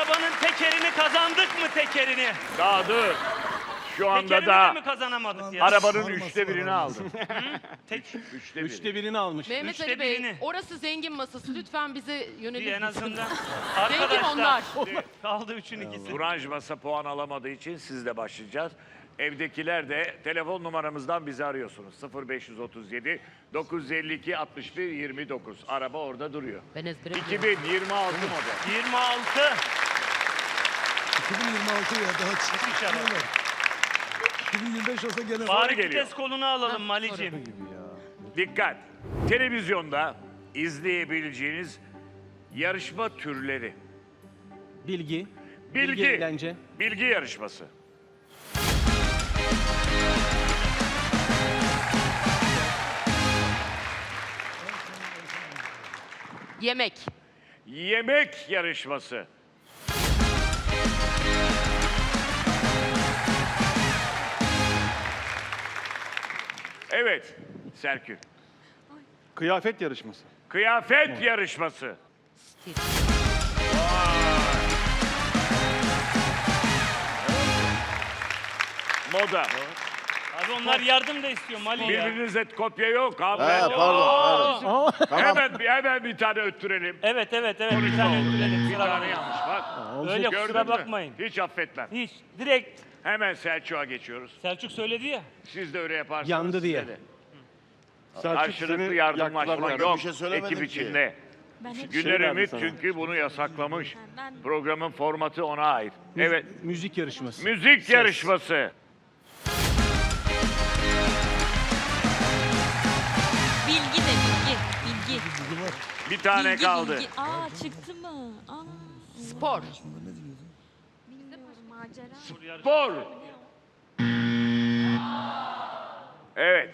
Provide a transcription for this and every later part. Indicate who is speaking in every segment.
Speaker 1: arabanın tekerini kazandık mı tekerini?
Speaker 2: Daha dur. Şu anda
Speaker 1: Tekerini de
Speaker 2: da
Speaker 1: mi kazanamadık ya?
Speaker 2: arabanın 1/3'ünü aldın.
Speaker 1: Tek,
Speaker 2: 1/3.
Speaker 3: Üçte birini almış.
Speaker 4: Mehmet
Speaker 1: Üçte
Speaker 4: Ali Bey,
Speaker 1: birini.
Speaker 4: orası zengin masası. Lütfen bize yönelik.
Speaker 1: en azından.
Speaker 4: Zengin onlar.
Speaker 1: Kaldı 3'ün ikisi.
Speaker 2: Turanj masa puan alamadığı için sizle başlayacağız. Evdekiler de telefon numaramızdan bizi arıyorsunuz. 0537 952 61 29. Araba orada duruyor.
Speaker 4: Ben ezbere
Speaker 2: 2026 model.
Speaker 1: 26.
Speaker 5: 2026 ya daha
Speaker 1: İnşallah.
Speaker 5: çıkıyor. 2025 olsa gene
Speaker 1: Bari
Speaker 2: geliyor.
Speaker 1: vites kolunu alalım Mali'cim.
Speaker 2: Dikkat! Televizyonda izleyebileceğiniz yarışma türleri.
Speaker 3: Bilgi.
Speaker 2: Bilgi.
Speaker 3: Eğlence.
Speaker 2: Bilgi yarışması.
Speaker 4: Yemek.
Speaker 2: Yemek yarışması. Evet, Serkül.
Speaker 6: Kıyafet yarışması.
Speaker 2: Kıyafet yarışması.
Speaker 4: Stil.
Speaker 2: Moda.
Speaker 1: Abi onlar yardım da istiyor Mali ya.
Speaker 2: Birbirinize kopya yok abi.
Speaker 5: pardon.
Speaker 2: Hemen bir tane öttürelim.
Speaker 1: Evet bir tane öldürelim.
Speaker 2: Bir tane yanlış bak.
Speaker 1: Öyle
Speaker 2: Gördün
Speaker 1: kusura
Speaker 2: mü?
Speaker 1: bakmayın.
Speaker 2: Hiç affetmem.
Speaker 1: Hiç. Direkt
Speaker 2: Hemen Selçuk'a geçiyoruz.
Speaker 1: Selçuk söyledi ya.
Speaker 2: Siz de öyle yaparsanız.
Speaker 3: Yandı diye.
Speaker 2: size de.
Speaker 6: Selçuk
Speaker 2: Karşılıklı
Speaker 6: seni
Speaker 2: yardımlaşma
Speaker 6: yaktılar
Speaker 2: yok
Speaker 5: Bir şey söylemedim
Speaker 2: ekip
Speaker 5: ki.
Speaker 2: içinde.
Speaker 7: Ben hep
Speaker 2: Güner
Speaker 6: verdi
Speaker 2: Ümit
Speaker 6: sana.
Speaker 2: çünkü bunu yasaklamış.
Speaker 7: Ben-
Speaker 2: Programın formatı ona ait. Evet.
Speaker 3: Müzik yarışması.
Speaker 2: Müzik yarışması.
Speaker 7: bilgi de bilgi. Bilgi.
Speaker 2: Bir tane
Speaker 7: Bilgi,
Speaker 2: kaldı.
Speaker 7: bilgi. Aa çıktı mı? Aa.
Speaker 4: Spor.
Speaker 7: Bilmiyorum macera.
Speaker 2: Spor. Evet.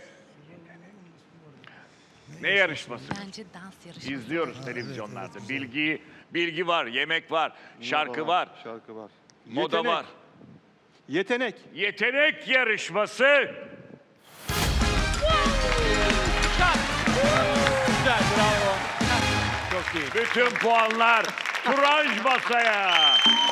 Speaker 2: Ne yarışması?
Speaker 7: Bence dans yarışması.
Speaker 2: İzliyoruz televizyonlarda. Bilgi var, yemek var, şarkı var,
Speaker 6: Şarkı var.
Speaker 2: moda
Speaker 6: Yetenek.
Speaker 2: var.
Speaker 6: Yetenek.
Speaker 2: Yetenek yarışması.
Speaker 3: Güzel, bravo. Çok iyi.
Speaker 2: Bütün puanlar Turanj masaya.